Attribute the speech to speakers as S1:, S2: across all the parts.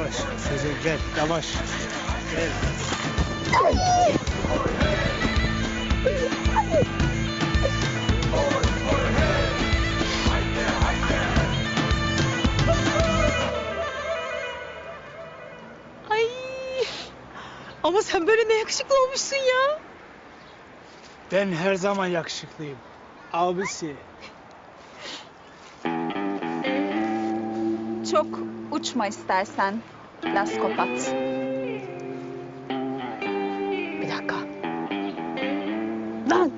S1: yavaş. Sezen gel, yavaş. Gel.
S2: Ay. Ama sen böyle ne yakışıklı olmuşsun ya.
S1: Ben her zaman yakışıklıyım. Abisi.
S3: Çok uçma istersen. Laskopat.
S2: Bir dakika. Lan!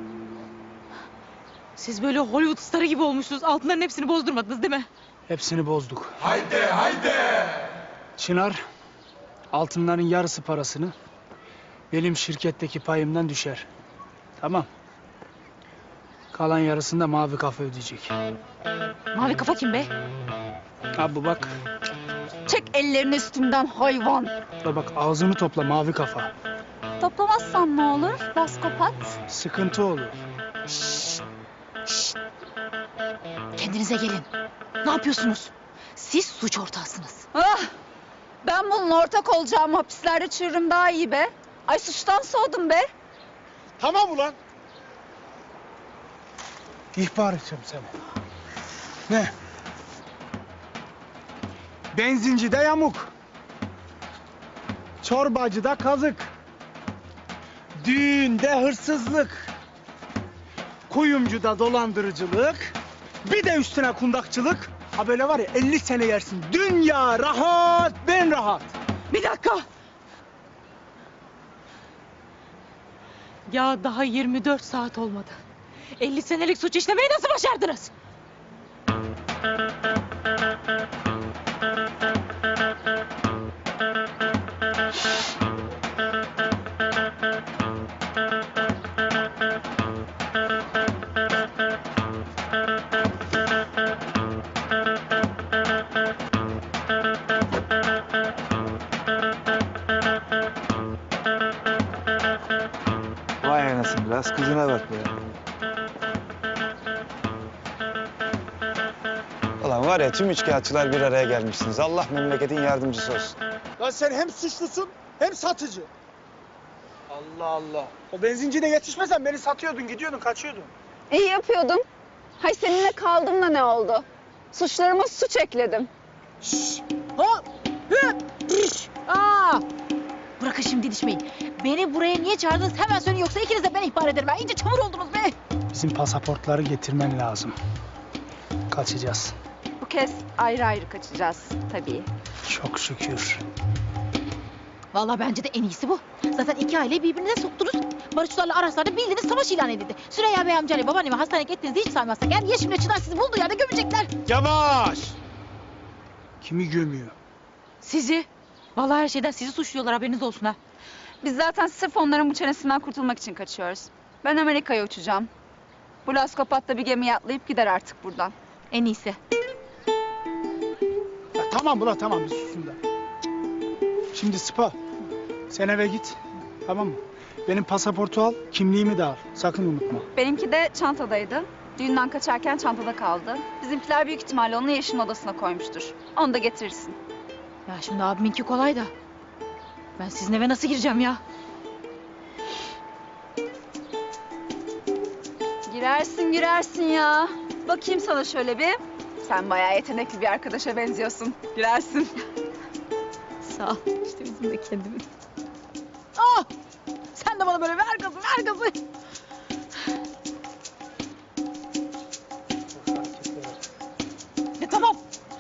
S2: Siz böyle Hollywood starı gibi olmuşsunuz. Altınların hepsini bozdurmadınız değil mi?
S1: Hepsini bozduk. Haydi! Çınar, altınların yarısı parasını benim şirketteki payımdan düşer. Tamam. Kalan yarısını da Mavi Kafa ödeyecek.
S2: Mavi kafa kim be?
S1: Abi bak,
S3: Çek ellerini üstümden hayvan.
S1: da bak ağzını topla Mavi Kafa.
S3: Toplamazsan ne olur laskopat?
S1: Sıkıntı olur.
S2: Kendinize gelin. Ne yapıyorsunuz? Siz suç ortağısınız.
S3: Ah! Ben bununla ortak olacağım, hapislerde çürürüm daha iyi be. Ay suçtan soğudum be.
S1: Tamam ulan. İhbar edeceğim seni. Ne? Benzincide yamuk. Çorbacıda kazık. Düğünde hırsızlık. Kuyumcuda dolandırıcılık. Bir de üstüne kundakçılık. Ha böyle var ya 50 sene yersin. Dünya rahat, ben rahat.
S2: Bir dakika. Ya daha 24 saat olmadı. 50 senelik suç işlemeyi nasıl başardınız?
S4: Vay anasını, biraz kızına bak be. Ulan var ya, tüm üçkağıtçılar bir araya gelmişsiniz. Allah memleketin yardımcısı olsun.
S1: Lan sen hem suçlusun hem satıcı. Allah Allah. O benzincine yetişmesen beni satıyordun, gidiyordun, kaçıyordun.
S3: İyi yapıyordum. Hay seninle kaldım da ne oldu? Suçlarıma suç ekledim.
S2: Hop! Hıp! Üş! Aa! Bırakın şimdi didişmeyin. Beni buraya niye çağırdınız hemen söyleyin, yoksa ikiniz de ben ihbar ederim. Ben iyice çamur oldunuz be.
S1: Bizim pasaportları getirmen lazım. Kaçacağız.
S3: Bu kez ayrı ayrı kaçacağız tabii.
S1: Çok şükür.
S2: Vallahi bence de en iyisi bu. Zaten iki aileyi birbirine soktunuz. Barışçılarla Araslar'da bildiğiniz savaş ilan edildi. Süreyya Bey amcayla babaannemi hastaneye ettiğinizi hiç saymazsak eğer Yeşim'le Çınar sizi bulduğu yerde gömecekler.
S1: Yavaş! Kimi gömüyor?
S2: Sizi. Vallahi her şeyden sizi suçluyorlar, haberiniz olsun ha.
S3: Biz zaten sırf onların bu çenesinden kurtulmak için kaçıyoruz. Ben Amerika'ya uçacağım. Bu laskopat da bir gemiye atlayıp gider artık buradan.
S2: En iyisi.
S1: Ya tamam bula tamam bir susun da. Şimdi Sıpa, sen eve git. Tamam mı? Benim pasaportu al, kimliğimi de al. Sakın unutma.
S3: Benimki de çantadaydı. Düğünden kaçarken çantada kaldı. Bizimkiler büyük ihtimalle onu Yeşim'in odasına koymuştur. Onu da getirirsin.
S2: Ya şimdi abiminki kolay da. Ben sizin eve nasıl gireceğim ya?
S3: Girersin ya. Bakayım sana şöyle bir. Sen bayağı yetenekli bir arkadaşa benziyorsun. Girersin.
S2: Sağ ol. İşte bizim de kendimiz. Ah! Sen de bana böyle ver gazı, ver gazı. Tamam.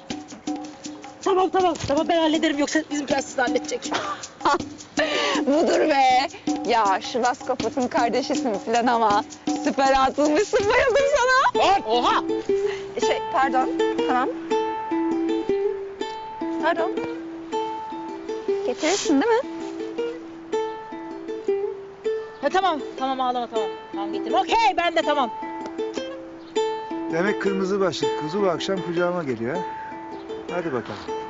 S2: Tamam ben hallederim, yoksa bizimkiler sizi halledecek.
S3: Budur be. Ya şu laskopatın kardeşisin filan ama süper atılmışsın, bayıldım sana.
S2: Oha!
S3: Pardon. Tamam. Pardon. Getirirsin değil mi?
S2: Ha, tamam ağlama tamam. Tamam getirdim. Okey, ben de tamam.
S4: Demek kırmızı başlık kuzu bu akşam kucağıma geliyor ha. Hadi bakalım.